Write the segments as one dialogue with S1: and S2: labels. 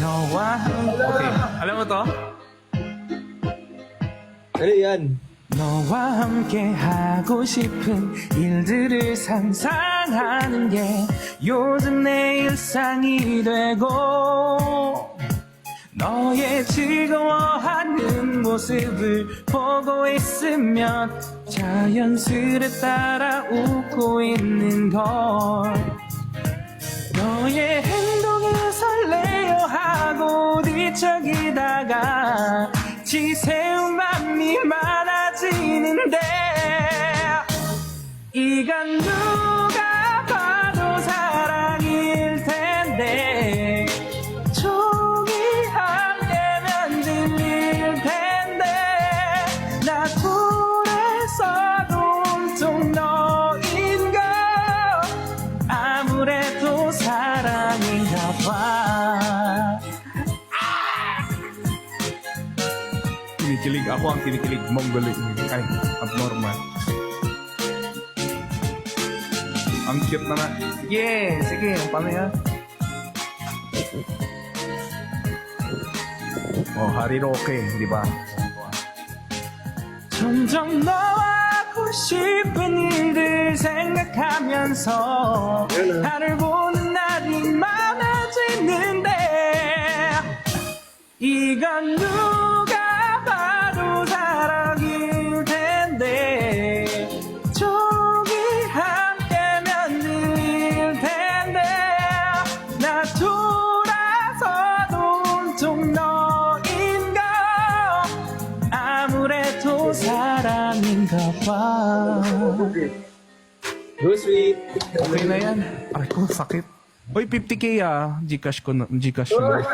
S1: 너와 Okay, alam mo to?
S2: Ano yan?
S1: 너와 함께 하고 싶은 일들을 상상하는 게 요즘 내 일상이 되고 너의 즐거워하는 모습을 보고 있으면 자연스레 따라 웃고 있는 걸 너의 행동에 설레어 하고 뒤척이다가 지새운 맘이 많아지는데 이건 누가 봐도 사랑일 텐데 종이 한 개면 들릴 텐데 나 둘에서도 온통 너인 걸 아무래도 사랑인가 봐. Kinikilig ako ang kinikilig Mongolic. Ay, abnormal. Ang cute na nga. Yeah, sige, paano yan? Oh, Hariroke, di ba? 점점 너와 하고 싶은 일들 생각하면서 나를 보는 날이 많아지는데 이건 누가 봐도 사랑일 텐데 종이 한 개면 들릴 텐데 나 돌아서도 온통 너인 걸 아무래도 사랑인가 봐.
S2: Go sweet.
S1: Okay na yan. Ay ko, sakit. Uy, 50k ah. Gcash ko na. Gcash ko na.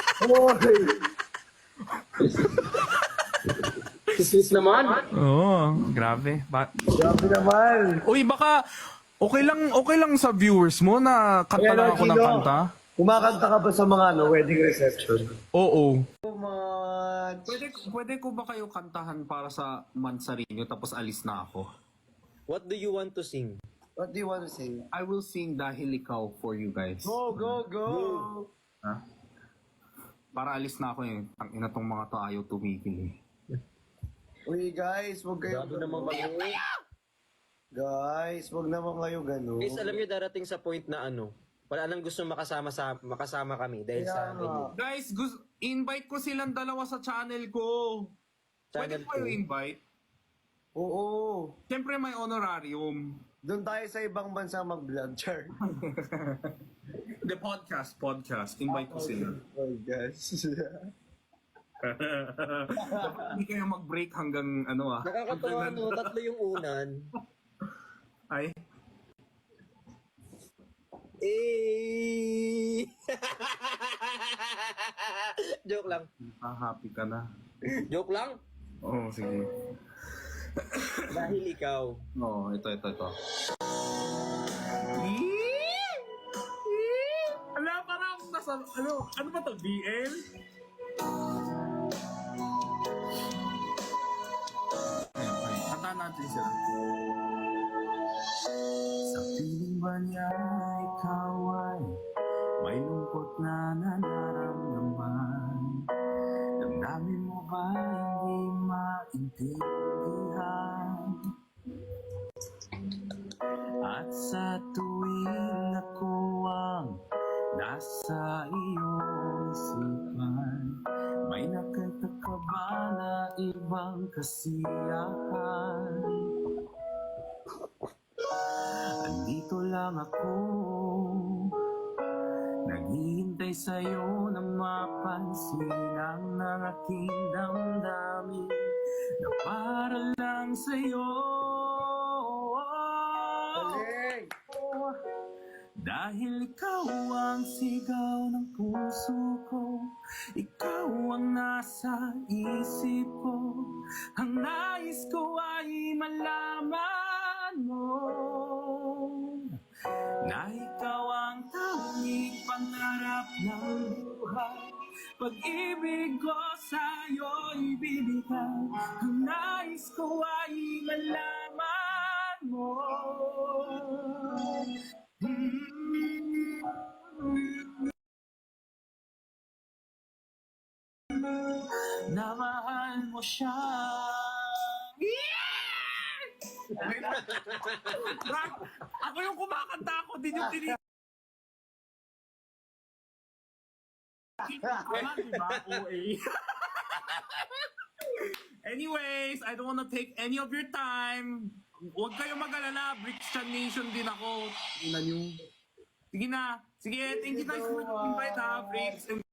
S2: Sweet naman.
S1: Oo, grabe.
S3: Grabe naman.
S1: Uy, baka okay lang sa viewers mo na kanta lang ako ng kanta?
S3: Kumakanta ka ba sa mga wedding reception?
S1: Oo.
S3: So much.
S1: Pwede ko ba kayo kantahan para sa Mansarinyo tapos alis na ako?
S2: What do you want to sing?
S3: What do you want to sing?
S1: I will sing Dahil Ikaw for you guys.
S3: Go, go, go!
S1: Ha? Para alis na ako eh. Ang ina tong mga to ayaw tumigil eh.
S3: Uy guys, wag kayo
S2: Grabe naman kayo.
S3: Guys, wag naman kayo ganun.
S2: Guys, alam niyo darating sa point na wala nang gusto makasama kami dahil sa amin.
S1: Guys, invite ko silang dalawa sa channel ko. Pwede
S2: Channel
S1: ko kayo
S2: ko.
S1: invite?
S3: Oo.
S1: Siyempre may honorarium.
S3: Doon tayo sa ibang bansa mag-vlog, Char.
S1: The podcast. Invite ko sila.
S3: Oh, guys.
S1: Hindi kayo mag-break hanggang ano ah.
S2: Nakakatawa tatlo yung unan.
S1: Ay,
S2: Eh. Joke lang.
S1: happy ka na.
S2: Joke lang.
S1: Oo, sige.
S2: Dahil ikaw.
S1: Oo, ito. Ala, parang akong nasa, ano ba to, BL? Ayun, kanta natin sila. Sa piling ba niya ikaw ay may lungkot na nararamdaman? Damdamin mo ba hindi maintindihan? At sa tuwing ako ang nasa iyong isipan, may nakita ka ba na ibang kasiyahan? Andito lang ako, naghihintay sa'yo na mapansin ang aking damdamin na para lang sa'yo.
S3: Galing!
S1: Dahil ikaw ang sigaw ng puso ko, ikaw ang nasa isip ko, ang nais ko ay malaman mo na ikaw ang tanging pangarap ng buhay. Pag-ibig ko sa'yo'y bibigay, ang nais ko ay malaman mo. na mahal mo siya. Okay na. Brad, ako yung kumakanta ako, din yung tini... Tama, diba? OA. Anyways, I don't wanna take any of your time. Huwag kayo mag-alala, Brixton Nation din ako. Tingnan nyo. Sige na. Sige, thank you guys for the invite ha, Brix.